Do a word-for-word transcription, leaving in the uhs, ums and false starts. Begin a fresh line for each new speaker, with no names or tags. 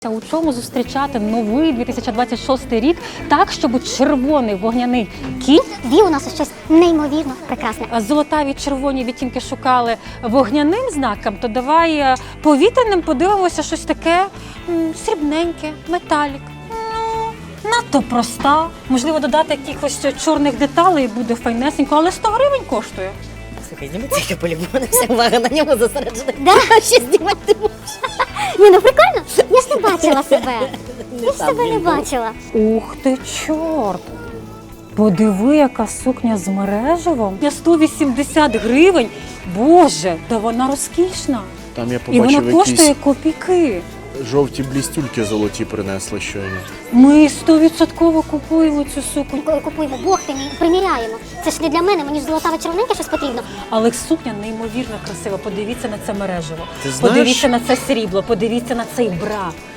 У чому зустрічати новий дві тисячі двадцять шостий рік так, щоб червоний вогняний кінь,
вів у нас щось неймовірно прекрасне.
а золотаві червоні відтінки шукали вогняним знаком, то давай е, повітряним подивимося щось таке м, срібненьке, металік. Ну, надто проста. Можливо, додати якихось чорних деталей і буде файнесенько, але сто гривень коштує.
Слухай, зніми цей полігон, вся увага на ньому зосереджена.
Да?
Ще знімати не можеш.
Ні, ну прикольно. Я ж не бачила себе. Я ж себе не бачила.
Ух ти, чорт! Подиви, яка сукня з мережевом. Я сто вісімдесят гривень. Боже, та вона розкішна.
Там я
І вона
побачив
коштує
якісь
копійки.
жовті блістюльки золоті принесли щойно.
Ми стовідсотково купуємо цю сукню.
Коли купуємо, Бог ти мій, приміряємо. Це ж не для мене, мені ж золотаве червоненьке щось потрібно.
Але сукня неймовірно красива. Подивіться на це мережево.
Ти знаєш-
Подивіться на це срібло, подивіться на цей бра.